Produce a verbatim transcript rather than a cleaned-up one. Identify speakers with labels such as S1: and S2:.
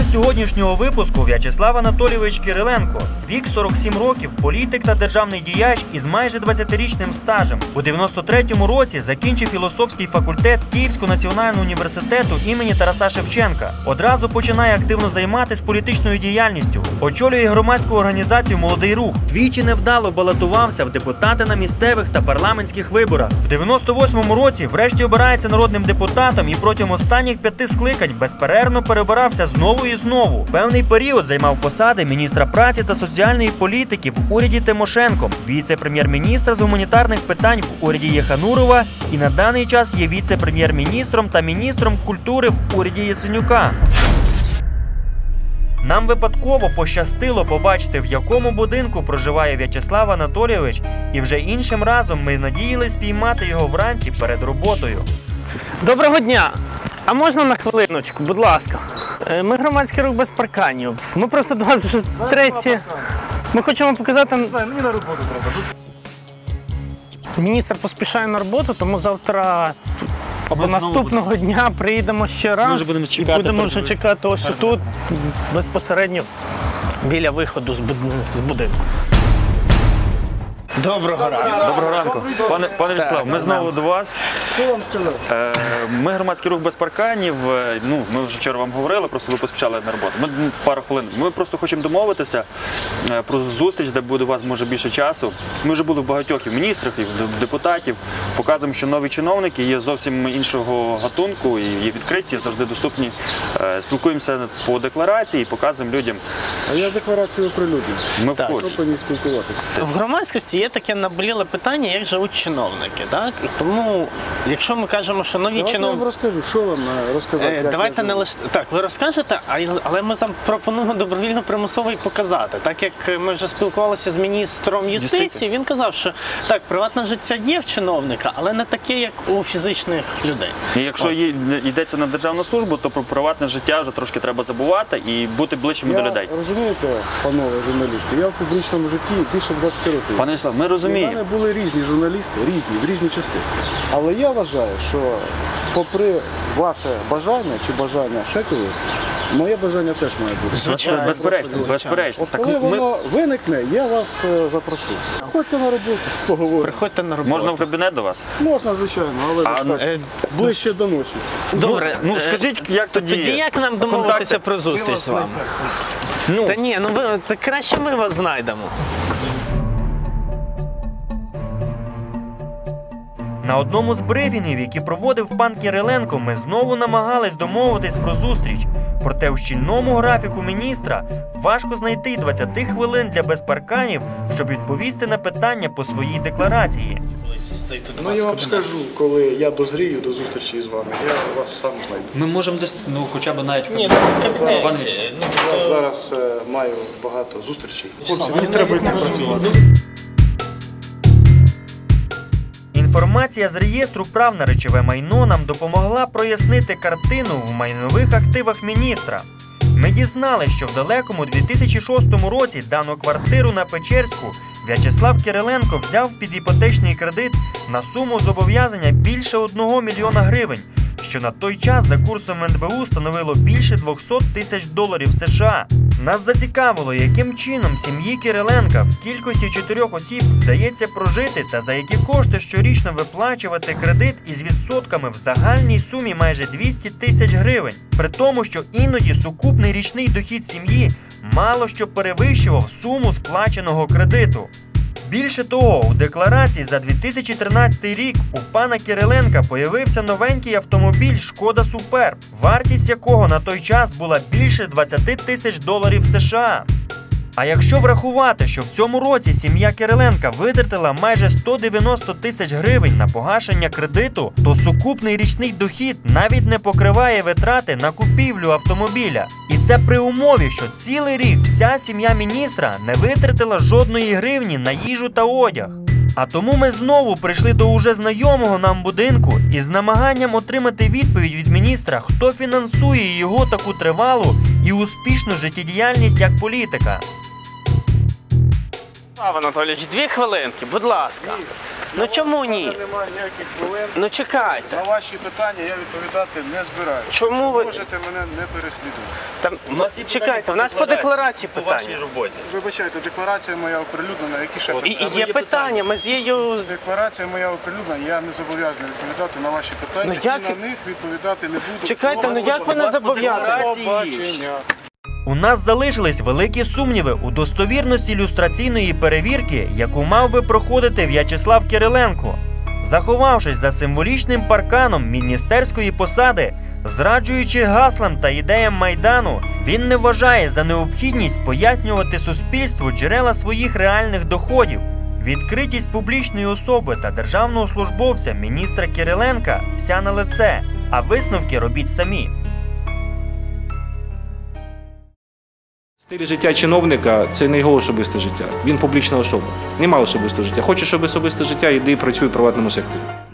S1: сьогоднішнього випуску В'ячеслав Анатолійович Кириленко. Вік сорок сім років, політик та державний діяч із майже двадцятирічним стажем. У дев'яносто третьому році закінчив філософський факультет Київського національного університету імені Тараса Шевченка. Одразу починає активно займатися політичною діяльністю. Очолює громадську організацію «Молодий рух». Двічі невдало балотувався в депутати на місцевих та парламентських виборах. В дев'яносто восьмому році врешті обирається народним депутатом і протягом останніх п'яти скликань безперервно перебирався знову і знову. Певний період займав посади міністра праці та соціальної політики в уряді Тимошенко, віце-прем'єр-міністра з гуманітарних питань в уряді Єханурова і на даний час є віце-прем'єр-міністром та міністром культури в уряді Яценюка. Нам випадково пощастило побачити, в якому будинку проживає В'ячеслав Анатолійович, і вже іншим разом ми надіялись спіймати його вранці перед роботою.
S2: Доброго дня! А можна на хвилиночку, будь ласка? Ми громадський рух без парканів. Ми просто до вас вже третє. Ми хочемо показати...
S3: Не знаю, мені на роботу треба.
S2: Міністр поспішає на роботу, тому завтра або наступного дня приїдемо ще раз
S1: будемо
S2: і
S1: чекати,
S2: будемо вже чекати ось тут, безпосередньо біля виходу з будинку. Доброго ранку.
S1: Доброго ранку. Пане, пане В'ячеслав, ми знову до вас.
S3: Що вам сказати?
S1: Е, Ми громадський рух без парканів. Е, Ну, ми вже вчора вам говорили, просто ви поспішали на роботу. Ми ну, пару хвилин. Ми просто хочемо домовитися е, про зустріч, де буде у вас може більше часу. Ми вже були в багатьох і міністрах, і в депутатів. Показуємо, що нові чиновники є зовсім іншого гатунку і є відкриті, завжди доступні. Е, Спілкуємося по декларації і показуємо людям.
S3: А я декларацію оприлюдню.
S1: Ми в
S2: Так.
S1: курсі.
S3: Що по ній спілкуватися?
S2: В громадськості є таке наболіле питання, як живуть чиновники. Так? І тому, якщо ми кажемо, що нові
S3: Я вам
S2: чиновники...
S3: розкажу, що вам е, розказати.
S2: Е,
S3: як
S2: Давайте
S3: я
S2: не
S3: живу.
S2: лише так, ви розкажете, а й- але ми вам пропонуємо добровільно примусово і показати. Так як ми вже спілкувалися з міністром юстиції, він казав, що так, приватне життя є в чиновника, але не таке, як у фізичних людей.
S1: І якщо є- йдеться на державну службу, то про приватне життя вже трошки треба забувати і бути ближчими до
S3: Я,
S1: людей.
S3: розумієте, панове журналісти, я в публічному житті більше двадцяти років.
S1: Пане В'ячеслав, ми
S3: У
S1: розуміємо.
S3: мене були різні журналісти, різні, в різні часи. Але я вважаю, що попри ваше бажання чи бажання ще когось, моє бажання теж має бути.
S2: Звичайно.
S1: Безперечно,
S3: Запрошую.
S1: безперечно.
S3: От
S1: Так
S3: коли
S1: ми-
S3: воно виникне, я вас е, запрошу. Ходьте на роботу, поговоримо.
S2: Приходьте на роботу.
S1: Можна в кабінет до вас?
S3: Можна, звичайно, але
S1: А,
S3: ж так,
S2: Е,
S3: ближче до ночі.
S2: Добре,
S1: Ну,
S2: е,
S1: скажіть, як тоді?
S2: Тоді як нам домовитися про зустріч з вами?
S1: Ну,
S2: Та ні, ну ви та краще ми вас знайдемо.
S1: на одному з брифінгів, які проводив пан Кириленко, ми знову намагались домовитись про зустріч. Проте в щільному графіку міністра важко знайти двадцять хвилин для безпарканів, щоб відповісти на питання по своїй декларації.
S3: Ну я вам скажу, коли я дозрію до зустрічі з вами, я вас сам знайду.
S1: Ми можемо десь, ну, хоча б навіть...
S2: Ні, ну в
S1: Пане
S2: кабінеті.
S3: Я зараз е, маю багато зустрічей. Хлопці, мені треба йти працювати.
S1: Інформація з реєстру прав на речове майно нам допомогла прояснити картину в майнових активах міністра. Ми дізналися, що в далекому дві тисячі шостому році дану квартиру на Печерську В'ячеслав Кириленко взяв під іпотечний кредит на суму зобов'язання більше одного мільйона гривень, що на той час за курсом ен бе у становило більше двохсот тисяч доларів США. Нас зацікавило, яким чином сім'ї Кириленка в кількості чотирьох осіб вдається прожити та за які кошти щорічно виплачувати кредит із відсотками в загальній сумі майже двісті тисяч гривень. При тому, що іноді сукупний річний дохід сім'ї мало що перевищував суму сплаченого кредиту. Більше того, у декларації за дві тисячі тринадцятий рік у пана Кириленка появився новенький автомобіль «Шкода Суперб», вартість якого на той час була більше двадцять тисяч доларів США. А якщо врахувати, що в цьому році сім'я Кириленка витратила майже сто дев'яносто тисяч гривень на погашення кредиту, то сукупний річний дохід навіть не покриває витрати на купівлю автомобіля. І це при умові, що цілий рік вся сім'я міністра не витратила жодної гривні на їжу та одяг. А тому ми знову прийшли до уже знайомого нам будинку із намаганням отримати відповідь від міністра, хто фінансує його таку тривалу і успішну життєдіяльність як політика.
S2: В'ячеслав Анатолійович, дві хвилинки, будь ласка. Ну чому ні?
S3: Немає ніяких хвилин.
S2: Ну чекайте.
S3: На ваші питання я відповідати не збираюся.
S2: Чому ви-
S3: Можете мене не переслідувати.
S2: Там, чекайте, в нас по декларації
S1: У вашій
S2: питання.
S1: роботі.
S3: Вибачайте, декларація моя оприлюднена, які ще
S2: І,
S3: питання?
S2: і є питання, ми з її...
S3: Декларація моя оприлюднена, я не зобов'язаний відповідати на ваші питання,
S2: Ну, як-
S3: і на них відповідати не буду.
S2: Чекайте, ну як ви не зобов'язані?
S3: Побачення.
S1: У нас залишились великі сумніви у достовірності люстраційної перевірки, яку мав би проходити В'ячеслав Кириленко. Заховавшись за символічним парканом міністерської посади, зраджуючи гаслам та ідеям Майдану, він не вважає за необхідність пояснювати суспільству джерела своїх реальних доходів. Відкритість публічної особи та державного службовця міністра Кириленка вся на лице, а висновки робіть самі.
S4: Стиль життя чиновника – це не його особисте життя. Він публічна особа. Немає особистого життя. Хочеш особисте життя – йди і працюй в приватному секторі.